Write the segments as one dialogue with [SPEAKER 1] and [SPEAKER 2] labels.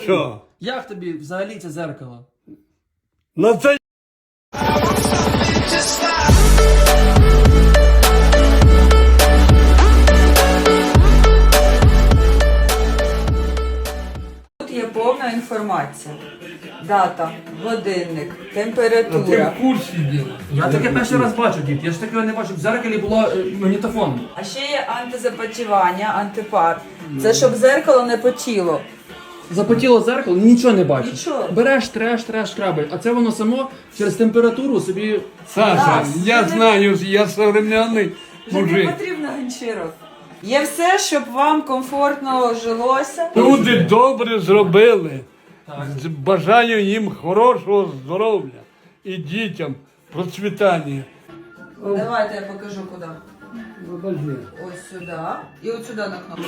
[SPEAKER 1] Що?
[SPEAKER 2] Як тобі взагалі це зеркало?
[SPEAKER 1] На це
[SPEAKER 3] Тут є повна інформація. Дата, годинник,
[SPEAKER 1] ти
[SPEAKER 3] температура.
[SPEAKER 1] в курсі діла.
[SPEAKER 2] Я таке перший раз бачу, дід. Я ж такого не бачу. В зеркалі було магнітофон.
[SPEAKER 3] А ще є антизапотівання, антипар. Це щоб зеркало не потіло.
[SPEAKER 2] Запотіло зеркало, нічого не бачиш.
[SPEAKER 3] Нічого.
[SPEAKER 2] Береш, треш, крабель. А це воно само через температуру собі...
[SPEAKER 1] Саша,
[SPEAKER 3] Так,
[SPEAKER 1] я
[SPEAKER 3] це
[SPEAKER 1] знаю, я современний
[SPEAKER 3] Вже не
[SPEAKER 1] мужик.
[SPEAKER 3] потрібно ганчірок. Є все, щоб вам комфортно жилося.
[SPEAKER 1] Люди добре зробили.
[SPEAKER 2] Так.
[SPEAKER 1] Бажаю їм хорошого здоров'я і дітям процвітання.
[SPEAKER 3] Давайте я покажу куди.
[SPEAKER 1] Подожди.
[SPEAKER 3] Ось сюди. І от сюди на кнопку.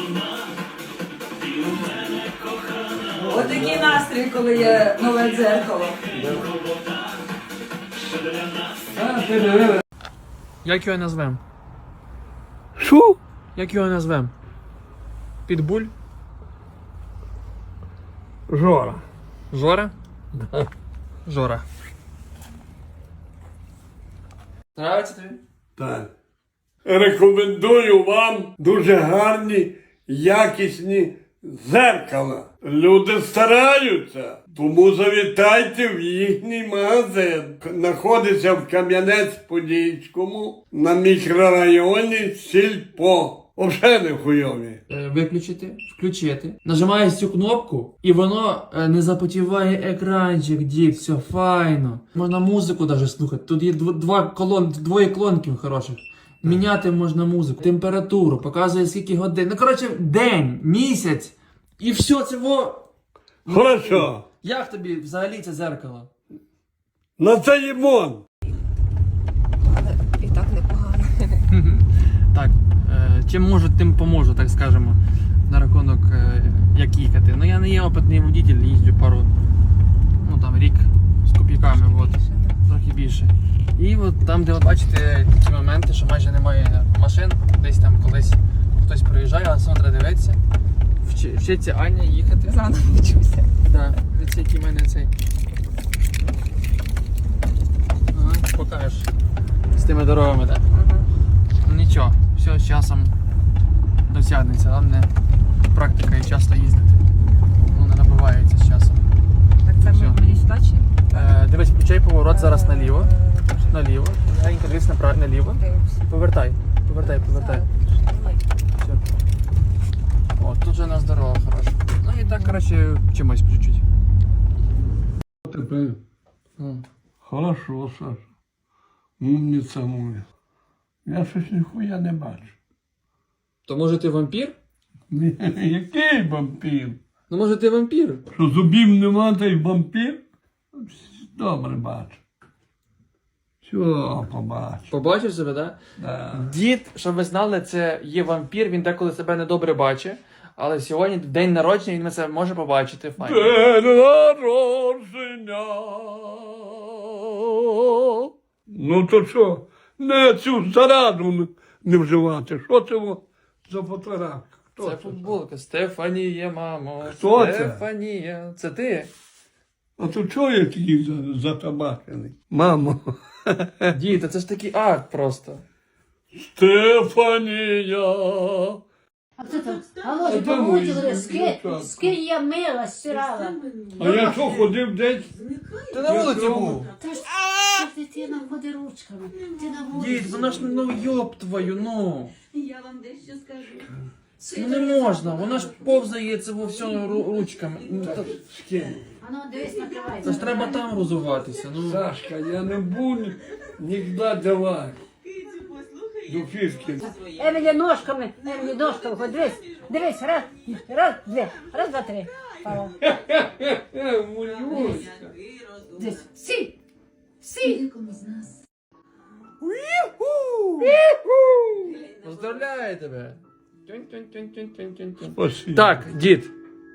[SPEAKER 3] Ось такий настрій, коли є нове дзеркало.
[SPEAKER 2] Як його назвемо?
[SPEAKER 1] Що?
[SPEAKER 2] Як його назвемо? Підбуль?
[SPEAKER 1] Жора.
[SPEAKER 2] Жора? Жора. Нравиться тобі?
[SPEAKER 1] Так. Рекомендую вам дуже гарні, якісні зеркала. Люди стараються, тому завітайте в їхній магазин. Знаходиться в Кам'янець-Подільському на мікрорайоні Сільпо. Взагалі не хуйові.
[SPEAKER 2] Виключити, включити. Нажимаєш цю кнопку, і воно не запотіває екранчик, дід, все файно. Можна музику навіть слухати. Тут є двоє колонків хороших. Міняти можна музику, температуру, показує скільки годин. Ну, коротше, день, місяць. І все це во.
[SPEAKER 1] Хорошо.
[SPEAKER 2] Як тобі взагалі це зеркало?
[SPEAKER 1] На це їмон.
[SPEAKER 4] І так непогано.
[SPEAKER 2] Так, чим можу, тим поможу, так скажемо, на рахунок, як їхати. Ну я не є опитний водитель, їжджу пару, ну там рік з копійками, от, трохи більше. І от там, де ви бачите ті моменти, що майже немає машин, десь там колись хтось проїжджає, а сам треба дивитися. Вчиться Аня їхати.
[SPEAKER 4] Заново вчуся.
[SPEAKER 2] Так, дивіться, який в мене цей. Ага, покажеш. З тими дорогами, так? Ну нічого, все з часом досягнеться, головне практика і часто їздити. Воно набувається з часом.
[SPEAKER 4] Так це
[SPEAKER 2] Всё.
[SPEAKER 4] мені сюди чи?
[SPEAKER 2] Дивись, включай поворот зараз наліво. Наліво. Легенько дивись наліво. Повертай. Повертай. Все. О, тут же у нас дорога хороша. Ну і так, коротше, вчимось по чуть-чуть.
[SPEAKER 1] Тепер хорошо, Саша. Умниця моя. Я щось ніхуя не бачу.
[SPEAKER 2] То може ти вампір?
[SPEAKER 1] Який вампір?
[SPEAKER 2] Ну може ти вампір?
[SPEAKER 1] Що зубів нема, та й вампір? Добре бачу. Все, побачу.
[SPEAKER 2] Побачив себе, так?
[SPEAKER 1] Да.
[SPEAKER 2] Дід, щоб ви знали, це є вампір, він деколи себе недобре бачить. Але сьогодні день народження, він це може побачити. Файно.
[SPEAKER 1] День народження. Ну то що? Не цю зараду не вживати. Що це за фотографія? Хто
[SPEAKER 2] Це футболка. Стефанія, мамо.
[SPEAKER 1] Хто це?
[SPEAKER 2] Стефанія. Це ти?
[SPEAKER 1] А то чого я такий затабачений? Мамо.
[SPEAKER 2] Дід, це ж такий акт просто.
[SPEAKER 1] Стефанія.
[SPEAKER 5] А хто там? Алло,
[SPEAKER 1] де мої
[SPEAKER 5] помочили,
[SPEAKER 1] дівчата?
[SPEAKER 5] скинь я мила, стирала.
[SPEAKER 1] А я що ходив десь?
[SPEAKER 2] Ти на вулиці був.
[SPEAKER 5] Та ж дитина ходить ручками. Ти на вулиці.
[SPEAKER 2] Дід, вона ж, ну йоб твою, ну.
[SPEAKER 6] Я вам дещо скажу.
[SPEAKER 2] Ну не можна, вона ж повзає це во всьому ручками. Ну,
[SPEAKER 5] А ну, дивись, накривай.
[SPEAKER 2] Це ж треба там розуватися, ну.
[SPEAKER 1] Сашка, я не буду ніколи давати. До фішки.
[SPEAKER 5] Емілі ножками, хоч дивись, раз, два, три. Павло.
[SPEAKER 1] Мулюська.
[SPEAKER 5] Дивись, сі.
[SPEAKER 2] Поздравляю тебе.
[SPEAKER 1] Спасибо.
[SPEAKER 2] Так, дід.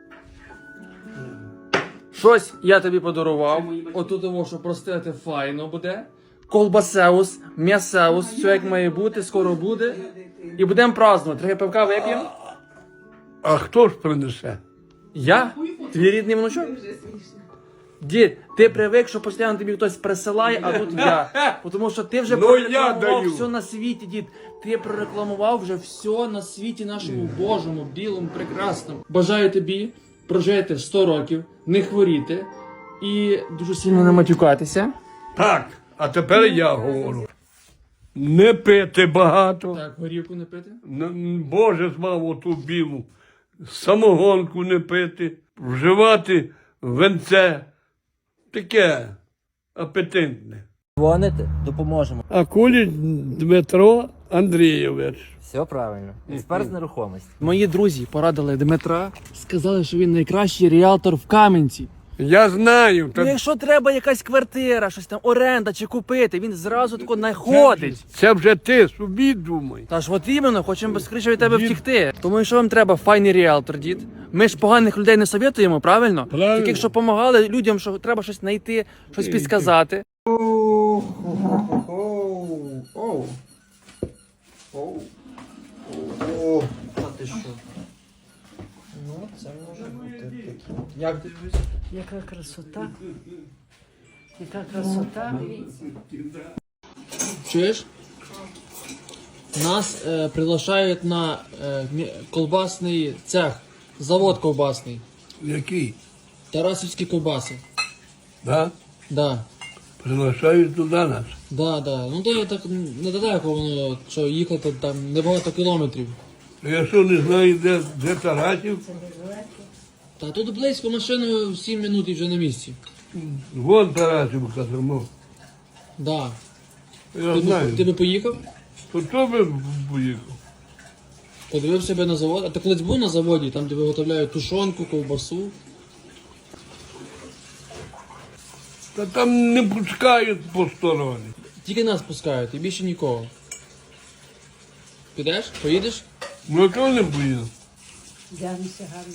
[SPEAKER 2] Щось я тобі подарував. Отут тому, що простити файно буде. Колбасеус, м'ясеус, все як має бути, скоро буде. І будемо празднувати. Трохи пивка вип'ємо.
[SPEAKER 1] А хто ж принесе?
[SPEAKER 2] Я? Твій рідний внучок? Дід, ти привик, що постійно тобі хтось присилає, а тут я. Тому що ти вже
[SPEAKER 1] Ну, я
[SPEAKER 2] прорекламував
[SPEAKER 1] даю.
[SPEAKER 2] все на світі, дід. Ти прорекламував вже все на світі нашому Божому, білому, прекрасному. Бажаю тобі прожити 100 років, не хворіти і дуже сильно не матюкатися.
[SPEAKER 1] Так, а тепер я говорю. Не пити багато.
[SPEAKER 2] Так, горівку не пити.
[SPEAKER 1] Боже змав оту білу. Самогонку не пити. Вживати венце. Таке апетитне.
[SPEAKER 7] Дзвоните, допоможемо.
[SPEAKER 1] Акуліч Дмитро Андрійович.
[SPEAKER 7] Все правильно. Експерт з нерухомості.
[SPEAKER 2] Мої друзі порадили Дмитра, сказали, що він найкращий ріалтор в Кам'янці.
[SPEAKER 1] Я знаю.
[SPEAKER 2] Ну, якщо треба якась квартира, щось там оренда чи купити, він зразу тако знаходить.
[SPEAKER 1] Це вже ти собі думай.
[SPEAKER 2] Та ж от іменно, хочемо скоріше від тебе втікти. Тому що вам треба файний ріалтор, дід. Ми ж поганих людей не совєтуємо, правильно?
[SPEAKER 1] Правильно.
[SPEAKER 2] Таких, що допомагали людям, що треба щось знайти, щось підказати.
[SPEAKER 7] Та ти що? Ну, це може бути таке.
[SPEAKER 2] Як ти дивишся?
[SPEAKER 5] Яка красота. Яка красота.
[SPEAKER 2] Чуєш? Нас приглашають на колбасний цех, завод колбасний.
[SPEAKER 1] Який?
[SPEAKER 2] Тарасівські ковбаси.
[SPEAKER 1] Да?
[SPEAKER 2] Да.
[SPEAKER 1] Приглашають туди нас.
[SPEAKER 2] Да. Ну то так недалеко воно, що їхати там небагато кілометрів.
[SPEAKER 1] Я що не знаю, де Тарасів?
[SPEAKER 2] Та тут близько машиною 7 минут і вже на місці.
[SPEAKER 1] Вон Тарасів казано.
[SPEAKER 2] Да.
[SPEAKER 1] Я
[SPEAKER 2] Ти
[SPEAKER 1] знаю.
[SPEAKER 2] би поїхав?
[SPEAKER 1] То хто би поїхав?
[SPEAKER 2] Подивив себе на завод. А ти колись був на заводі, там де виготовляють тушонку, ковбасу.
[SPEAKER 1] Та там не пускають посторонні.
[SPEAKER 2] Тільки нас пускають і більше нікого. Підеш? Поїдеш?
[SPEAKER 1] Ну, а чого не поїду?
[SPEAKER 5] Дянися гарно.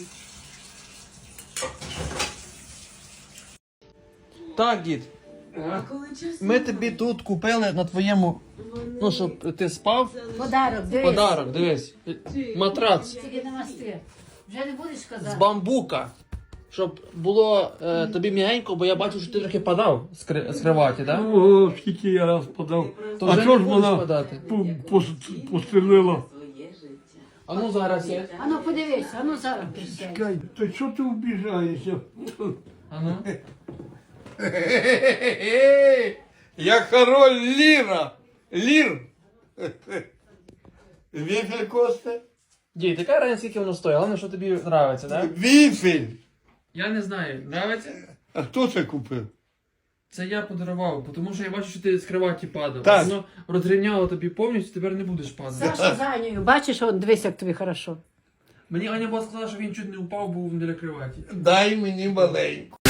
[SPEAKER 2] Так, дід. Ми тобі тут купили на твоєму, ну, щоб ти спав.
[SPEAKER 5] Подарок, дивись.
[SPEAKER 2] Подарок, дивись. Матрац
[SPEAKER 5] Тільки намасти. Вже не будеш
[SPEAKER 2] з
[SPEAKER 5] казати.
[SPEAKER 2] бамбука. Щоб було тобі м'ягенько, бо я бачу, що ти трохи падав з криваті, так?
[SPEAKER 1] Ого, скільки я раз подав.
[SPEAKER 2] То
[SPEAKER 1] А
[SPEAKER 2] вже
[SPEAKER 1] що
[SPEAKER 2] не
[SPEAKER 1] ж
[SPEAKER 2] будеш
[SPEAKER 1] вона
[SPEAKER 2] подати.
[SPEAKER 1] пострілила?
[SPEAKER 2] А ну зараз є.
[SPEAKER 5] Ану подивись, ану зараз присядь.
[SPEAKER 1] Чекай, та що ти вбіжаєшся?
[SPEAKER 2] А ну.
[SPEAKER 1] Я король Ліра. Лір. Віфель Косте?
[SPEAKER 2] Дід, яка разниця, скільки воно стоїть? Головне, що тобі подобається, так?
[SPEAKER 1] Віфель.
[SPEAKER 2] Я не знаю, подобається?
[SPEAKER 1] А хто це купив?
[SPEAKER 2] Це я подарував, тому що я бачу, що ти з криваті падав.
[SPEAKER 1] Так.
[SPEAKER 2] Воно розрівняло тобі повністю, тепер не будеш падати.
[SPEAKER 5] Саша за Анею, бачиш, от дивись, як тобі хорошо.
[SPEAKER 2] Мені Аня була сказала, що він чуть не упав, був біля криваті.
[SPEAKER 1] Дай мені маленьку.